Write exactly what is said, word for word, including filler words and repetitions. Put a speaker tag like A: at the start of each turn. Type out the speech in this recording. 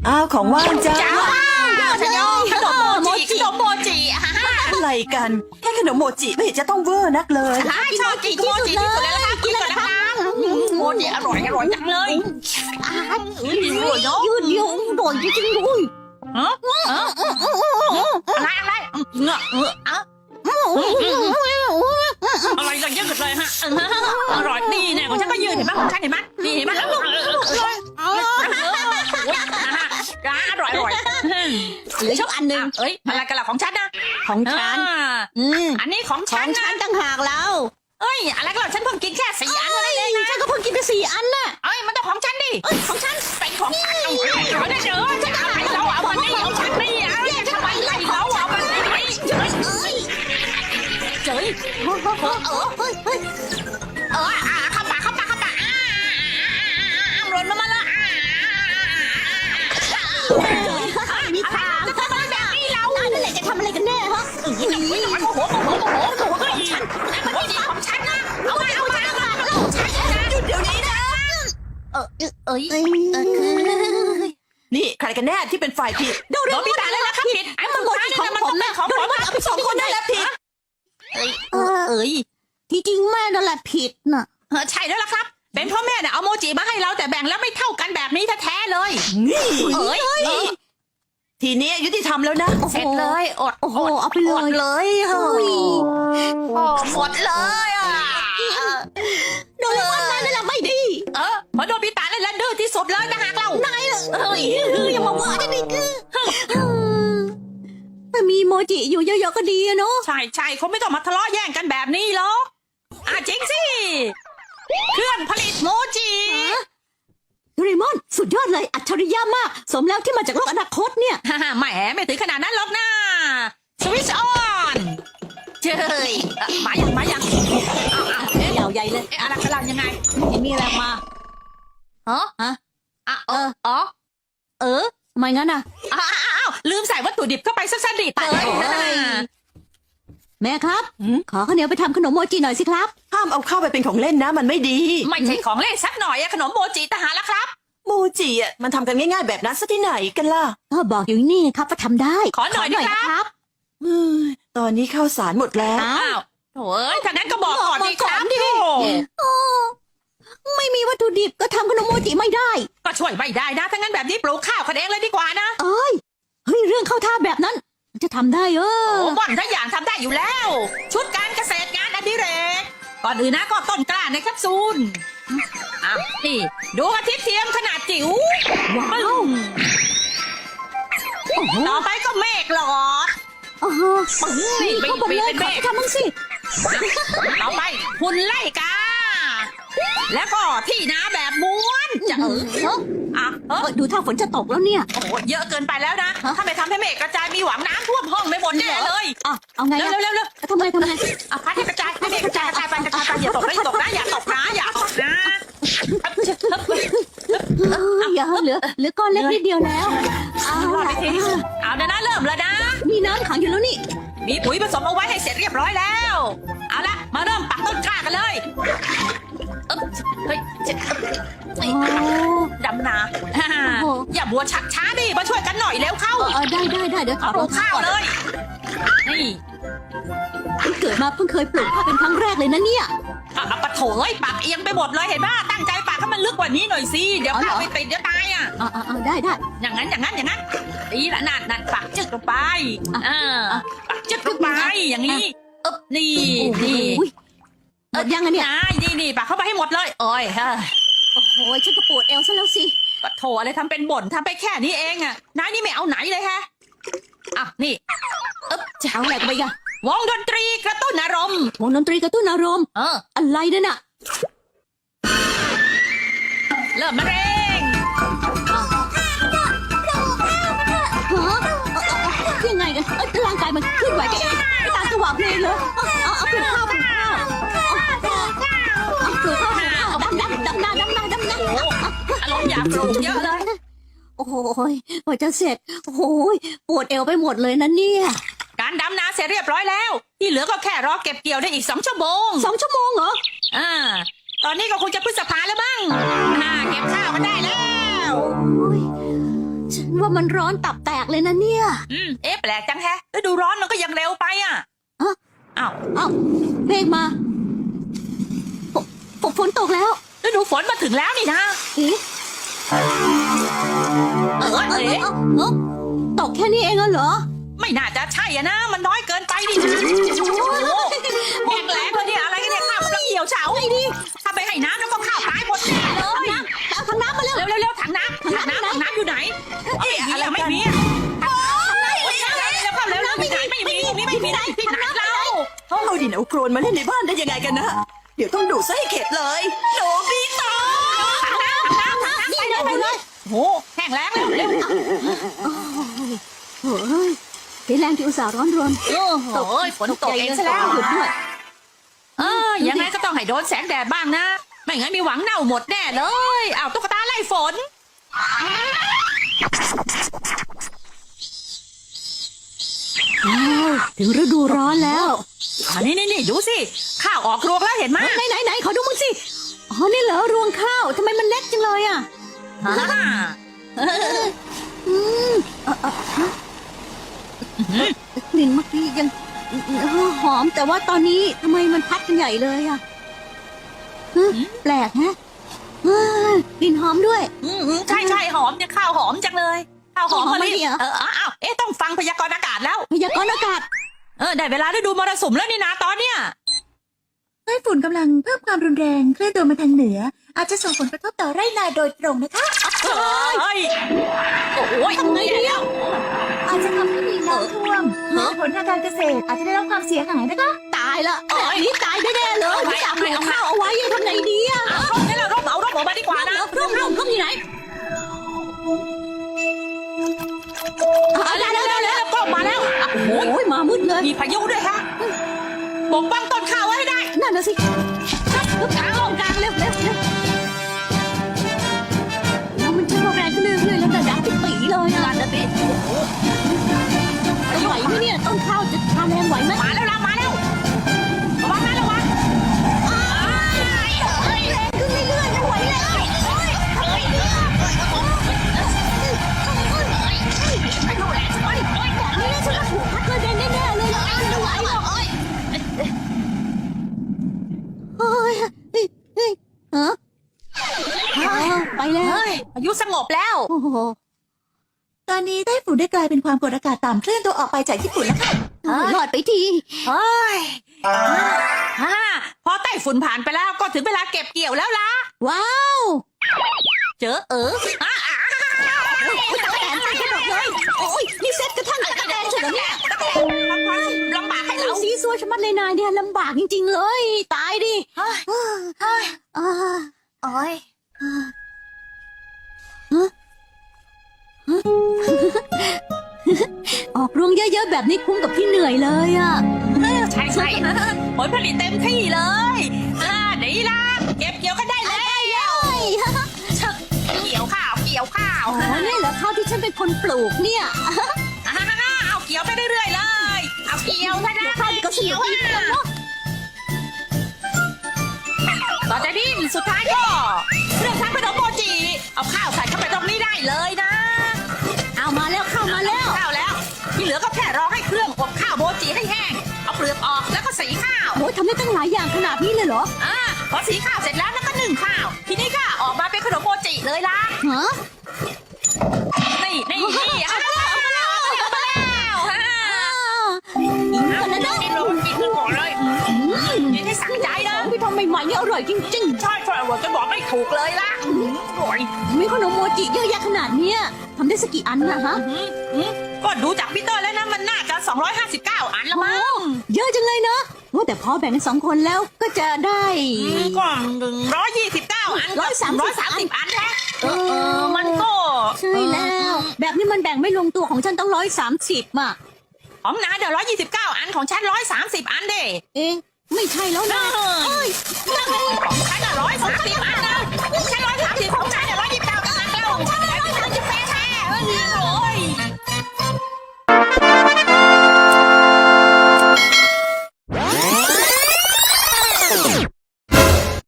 A: อ้าวของว่างจ้า
B: จ้าชะยองขนมโมจิขนมโมจิฮ่า
A: อะไรกันแค่ขนมโมจิไม่เห็นจะต้องเวอร์นักเลย
B: ชอบกินโมจิที่สุดเลยนะคะกินเลยนะคะโมจิอร่อยอร่อยจังเลยยืดเยอะยืดเยอะอร่อยจริงๆด้วยฮะอะไรอะไรเงาะเงาะอะอะไรกันยืดเลยฮะอร่อยนี่แน่ของฉันก็ยืดเห็นไหมของฉันเห็นไหมนี่เห็นไหมอร่อยอร่อยอร่อยเหลือชอบอันหนึ่งเอ้ยอะไรกันล่ะของฉันนะของฉันอืมอันนี้ของฉันฉันต่างหากแล้วเอ้ยอะไรกันล่ะฉันเพิ่งกินแค่สี่อันเท่านั้นเองนะฉันก็เพิ่งกินไปสี่อันน่ะเอ้ยมันต้องของฉันดิเอ้ยของฉันเป็นของฉันเอาไว้เอาได้เจอฉันเอาไปเราเอามันนี่ของฉันนี่เอาเนี่ยทำไมไล่เราเอามันนี่เจ๋ยเจ๋ยเออเออเฮ้ยเฮ้ยเออเข้าปากเข้าปากเข้าปากหล่นมาละมีทางจะทำอะไรแบบนี้เรานั่นแหละจะทำอะไรกันแน่ฮะโอ้โหโอ้โหโอ้โหโอ้โหโอ้โหฉันมันไม่ดีของฉันนะเอาไปเอาไปเอาไปของฉันนะหยุดเดี๋ยวนี้นะเออเอ้ยเออ
A: นี่ใครกันแน่ที่เป็นฝ่ายผิด
B: โดนพี่ตาเลยนะครับผิดไอ้มันโมจิของผมนะของผมเอาไปสองคนนั่นแหละผิดเอ้ยเอ้ยที่จริงแม่นั่นแหละผิดน่ะใช่แล้วล่ะครับเป็นเพราะแม่เนี่ยเอาโมจิมาให้เราแต่แบ่งแล้วไม่เท่ากันแบบนี้แท้ๆเลย
A: นี่
B: เอ้ย
A: ทีนี้ยุติธรรมแล้วนะ
B: เสร็จเลยอดโอ้โหเอาไปเลยเลยเฮ้ยโอ้หมดเลยอ่ะโดนวันนั้นนั่นแหละไม่ดีเออพอโดนพี่ตาเลยแล้วดื้อที่สุดเลยนะฮะเรานายเอ้ยอย่ามาว่าจะดีคือถ้ามีโมจิอยู่เยอะๆก็ดีเนาะใช่ใช่เขาไม่ต้องมาทะเลาะแย่งกันแบบนี้หรอกอ่ะจริงสิเครื่องผลิตโมจิโดเรมอนสุดยอดเลยอัจฉริยะมากสมแล้วที่มาจากโลกอนาคตเนี่ยฮ่าแหมไม่ถึงขนาดนั้นหรอกนะสวิตช์ออนเจ้ยมาอย่างมาอย่างเอาเอายาวใหญ่เลยอะไรกำลังยังไงมีอะไรมาฮะฮะอ่ะเอออ๋อเออไม่งั้นอ่ะอ้าวลืมใส่วัตถุดิบเข้าไปสักสนิดเลยแม่ครับขอข้าวเหนียวไปทำขนมโมจิหน่อยสิครับ
A: ห้ามเอาเข้าไปเป็นของเล่นนะมันไม่ดี
B: ไม่ใช่ของเล่นสักหน่อยอะขนมโมจิทหารแล้วครับ
A: โมจิอ่ะมันทำกันง่ายๆแบบนั้นซะที่ไหนกันล่ะ
C: ก็บอกอยู่นี่ครับว่าทำได้
B: ขอหน่อยนะครับ
A: เฮ้ยตอนนี้ข้าวสารหมดแล้ว
B: อ้าวโถ่เอ้ยถ้างั้นก็บอกก่อนดีครับดิ
C: โอ้ไม่มีวัตถุดิบก็ทำขนมโมจิไม่ได้
B: ก็ช่วยไม่ได้นะถ้างั้นแบบนี้ปลูกข้าวกันเองเลยดีกว่านะ
C: เอ้ยเฮ้ยเรื่องเข้าท่าแบบนั้นจะทำได้เออ
B: โอ้บ่อนถ้าอย่างทำได้อยู่แล้ว ชุดการเกษตรงานอดิเรกก่อนอื่นนะก็ต้นกล้าในแคปซูลอ่ะนี่ดูกระทิเทียมขนาดจิ๋วว้าวต่อไปก็เมฆหลอด
C: อ๋อ
B: ปึ้งนี่ไป
C: เข้าไป
B: ไป
C: เลย
B: เป็น
C: ข
B: เม
C: อ
B: ฆ
C: ทำมั่งสิ
B: ต่อไปหุ่นไล่กาแล้วก็ที่นาแบบม้วนจะเออ
C: เออ
B: อ่ะเออ
C: ดูท่าฝนจะตกแล้วเนี่ย
B: โอ้โหเยอะเกินไปแล้วนะถ้าไม่ทำให้เมฆกระจายมีหวังน้ำท่วมห้องไม่หมดแน่เลย
C: อ่ะเอาไง
B: เร็ว
C: อะ
B: เร็วเร็ว
C: ทำไงทำไง
B: อ่ะพัดให้กระจายให้เมฆกระจายกระจายไปกระจายไปอย่าตกนะอย่าตกนะอย่าตกนะอย่าตกนะ
C: เอออย่าเหลือเหลือก้อนเล็กนิดเดียวแล้วเอา
B: รอด
C: ล่ะ
B: ไปทีเอาเดี๋ยวนะเริ่มแล้วนะ
C: มีน้ำขังอยู่แล้วนี่
B: มีปุ๋ยผสมเอาไว้ให้เสร็จเรียบร้อยแล้วเอาละมาเริ่มปักต้นกล้ากันเลยเอ๊บเฮ้ยเจ็บเอ้ย
C: โอ้
B: ดำนาฮ่าอย่าบัวชักช้าดิมาช่วยกันหน่อยเร็วเข้า
C: เออได้ได้ได้เดี๋ยวขอ
B: เอาป
C: ร
B: ลู
C: อง
B: ก
C: เท้า
B: ข้าว
C: ก่อน
B: เลย นี่
C: เพิ่งเกิดมาเพิ่งเคยปลูกข้าวเป็นครั้งแรกเลยนะเนี่ย
B: อ่ะอ่ะปะโถเอ้ยปักเอียงไปหมดเลยเห็นป่ะตั้งใจปักให้มันลึกกว่านี้หน่อยสิเดี๋ยวข้าวไปติดเดี๋ยวตายอ่ะ
C: อ่าอ่าได้ได้
B: อย่างนั้นอย่างนั้นอย่างนั้นดีละนั่นนั่นปักจึกลงไปอ่าปักจึกลงไปอย่างนี้เอ๊บนี่นี่
C: โอ้ยหมดยังอะเนี่ย
B: นายนี่นี่ปักเข้าไปให้หมดเลยโอ้ยฮะ
C: โอ้โหฉันก็ปวดเอวซะแล้วสิ
B: ปะโถอะไรทำเป็นบ่นทำไปแค่นี้เองอ่ะนายนี่ไม่เอาไหนเลยฮะอ่ะนี่เอ๊บ
C: จะเอาอะไรกันไปกัน
B: วงดนตรีกระตุ้นอารมณ์
C: วงดนตรีกระตุ้นอารมณ์
B: เออ
C: อะไรนั่นน่ะ
B: เริ่มมะเร็ง
C: ฮะยังไงกันเอ้ยร่างกายมันเคลื่อนไหวไปเองไปตามจังหวะเพลงเลยเอาเอาเอาปลูกข้าวปลูกข้าวเอาปลูกข้าวปลูกข้าวดำดำดำหน้าดำหน้าดำหน้า
B: อารมณ์อยากปลูกเยอะเลย
C: โอ้โหกว่าจะเสร็จโอ้โหปวดเอวไปหมดเลยนะเนี่ย
B: การดำนาเสร็จเรียบร้อยแล้ว ที่เหลือก็แค่รอเก็บเกี่ยวได้อีกสองชั่วโมง
C: สองชั่วโมงเหรอ
B: อ่าตอนนี้ก็คงจะพฤษภาแล้วมั้งอ่าเก็บข้าวกันได้แล้ว
C: โอ้ยฉันว่ามันร้อนตับแตกเลยนะเนี่ย
B: อืมเอ๊ะแปลกจังแฮะฤดูร้อนมันก็ยังเร็วไปอ่ะ
C: อะ
B: อ้าว
C: เอ้าเมฆมาฝฝฝนตกแล้ว
B: ฤดูฝนมาถึงแล้วนี่นะ
C: เอ๊ะ
B: เออ
C: เอ้า
B: เอ๊ะ
C: เอ้าเอ้าตกแค่นี้เองเหรอ
B: ไม่น่าจะใช่อะนะ มันน้อยเกินไปดินะแห้งแล้งเลยเนี่ยอะไรกันเนี่ยข้าวกำลังเหี่ยวเฉาไอ้ดิถ้าไปให้น้ำแล้วก็ข้าวตายหมดแน่เลย
C: เอาถังน้ำมาเร็ว
B: เร็วเร็วเร็วถังน้ำถังน้ำถังน้ำอยู่ไหนเอ๊ะอะไรไม่มีอะแล้วก็เร็วเร็วที่ไหนไม่มีมีไม่มีที่ไหนเรา
A: เอาดินเอาโครนมาเล่นในบ้านได้ยังไงกันนะ เดี๋ยวต้องดูซะให้เข็ดเลยโนบิตะ
B: ถังน้ำถังน้ำถังน้ำ
C: นี่เร็วเลย
B: โหแห้งแล้งเร็วเร็ว
C: โอ้ยเสียแรงที่อุตส่าห์ร้อนรน
B: โอ้โหฝนตกเองซะแล้ว
C: หยุดด้วย
B: เออยังไงก็ต้องให้โดนแสงแดดบ้างนะ ไม่งั้นมีหวังเน่าหมดแน่เลยอ้าวตุ๊กตาไล่ฝน
C: อ้าวถึงฤดูร้อนแล้ว
B: อันนี้นี่นี่ดูสิข้าวออกรวงแล้วเห็นไหม
C: ไหนไหนไหนขอดูมึงสิอ๋อนี่เหรอรวงข้าวทำไมมันเล็กจังเลยอ่ะ
B: ฮ่า
C: อืมเอ่อเอ่อฮะกลิ่นเมื่อกี้ยังเออหอมแต่ว่าตอนนี้ทำไมมันพัดกันใหญ่เลยอ่ะฮะแปลกฮะเออกลิ่นหอมด้วย
B: อืมอืมใช่ใช่หอมเนี่ยข้าวหอมจังเลยข้าวหอม
C: หอม
B: มา
C: ไหม
B: เลย
C: เนี่ย
B: เอออ้าวเอ๊ะต้องฟังพยากรณ์อากาศแล้ว
C: พยากรณ์อากาศ
B: เออได้เวลาได้ดูมรสุมแล้วนี่นะตอนเนี้ย
D: ไต้ฝุ่นกำลังเพิ่มความรุนแรงเคลื่อนตัวมาทางเหนือ อาจจะส่งผลกระทบต่อไร่นาโดยตรงนะคะ
B: เฮ้ยโอ้ย
C: ทำไงดีอ่ะ
D: อาจจะทำให้มีน้ำท่วมผลทางการเกษตรอาจจะได้รับความเสียหายนะคะ
C: ตายละแบบนี้ตายแน่ๆเลยไม่อยากปลูกข้าวเอาไว้ทำไงดีอ่ะ
B: เอาร่มนี่แหละร่มเอาร่มออกมาดีกว่านะ
C: ร่มร่มร่มอยู่ไหน
B: เอาแล้วแล้วแล้วก็มาแล้วโอ้ย
C: โอ้ยมามืดเลย
B: มีพายุด้วยฮะปกป้องต้นข้าวไว้ให้ได้
C: นั่นน่ะสิกลางลงกลางเร็วเร็วเร็วแล้วมันจะแรงขึ้นเรื่อยๆแล้วแต่ดังปิดปีเลยอ่ะนะพี่ไหวไหมเนี่ยต้นข้าวจะทานแรงไหวไหม
B: มาแล้วมาแล้วระวังนะระวัง
C: แรงขึ้นเรื่อยๆไม่ไหวแล้วนี่ฉันว่าถูกพัดกระเด็นแน่ๆเลยไม่ไหวหรอกเฮ้ยเฮ้ยเฮ้ยฮะไปแล้ว
B: พายุสงบแล้ว
C: โอ้โห
D: ตอนนี้ไต้ฝุ่นได้กลายเป็นความกดอากาศต่ำเคลื่อนตัวออกไปจากญี่ปุ่นแล้วค่ะ
C: รอดไปที
B: เฮ้ยฮ่าพอไต้ฝุ่นผ่านไปแล้วก็ถึงเวลาเก็บเกี่ยวแล้วล่ะ
C: ว้าว
B: เจอเอออ่ะอ่ะ
C: โอ้ยตะแกรงไปหมดเลยโอ้ยนี่เซ็ตกระทั่งตะแกรงเฉยเนี่ย
B: ลำบากให้
C: ไอ้
B: เรา
C: ซีซัวชะมัดเลยนายเนี่ยลำบากจริงๆเลย ตายดิ
B: เฮ้ย
C: อ่า
D: โอ้ย
C: ออกรวงเยอะๆแบบนี้คุ้มกับที่เหนื่อยเลยอ่ะ
B: ใช่ใช่ผลผลิตเต็มที่เลยอ่าดีละเก็บเกี่ยวกันได้แล้วเกี่ยวข้าวเกี่ยวข้าว
C: อ๋อเนี่ยเหรอข้าวที่ฉันเป็นคนปลูกเนี่ย
B: อ่าเอาเกี่ยวไปเรื่อยๆเลยเอาเกี่ยวซะนะ
C: ข้าวที่ก็สนุกดีเหมือนกันเนาะ
B: ต่อจากนี้สุดท้ายก็เรื่องทำขนมโมจิเอาข้าวใส่เข้าไปตรงนี้ได้เลยนะ
C: เอามาแล้วข้าวมาแล้ว
B: ข้าวแล้วที่เหลือก็แค่รอให้เครื่องอบข้าวโมจิให้แห้งเอาเปลือกออกแล้วก็สีข้าว
C: โอ้ยทำได้ตั้งหลายอย่างขนาดนี้เลยเหรอ
B: อ่าพอสีข้าวเสร็จแล้วแล้วก็นึ่งข้าว ทีนี้ก็ออกมาเป็นขนมโมจิเลยล่ะ
C: ฮะ
B: นี่นี่นี่เอามาแล้วเอามาแล้วเอามาแล้วฮะ
C: อิน
B: เอา
C: กันนะเนาะ
B: กินลงกินกันก่อนเลยกินให้สั่งใจนะ
C: พี่ทำใหม่ๆนี่อร่อยจริง
B: ใช่ใช่ว่าจะบอกไม่ถูกเลยล่ะอืมอร่อย
C: ๆมีขนมโมจิเยอะแยะขนาดเนี้ยทำได้สักกี่อันนะฮะ
B: อืมอืมก็ดูจากพี่เตอร์แล้วนะมันน่าจะสองร้อยห้าสิบเก้าอันละมั้ง
C: เยอะจังเลยเนาะว่าแต่พอแบ่งกันสองคนแล้วก็จะได้
B: อืมก็หนึ่งร้อยยี่สิบเก้าอัน
C: ร้อยสามสิบ
B: ร้อยสามสิบอันแท้เออเออมันก็
C: ใช่แล้ว แบบนี้มันแบ่งไม่ลงตัวของฉันต้องร้อยสามสิบอ่ะ
B: ของนายเดี๋ยวร้อยยี่สิบเก้าอันของฉันร้อยสามสิบอันเด้
C: เอ๊ะไม่ใช่แล้วนะ
B: เอ้ยของฉันร้อยสามสิบอันนะ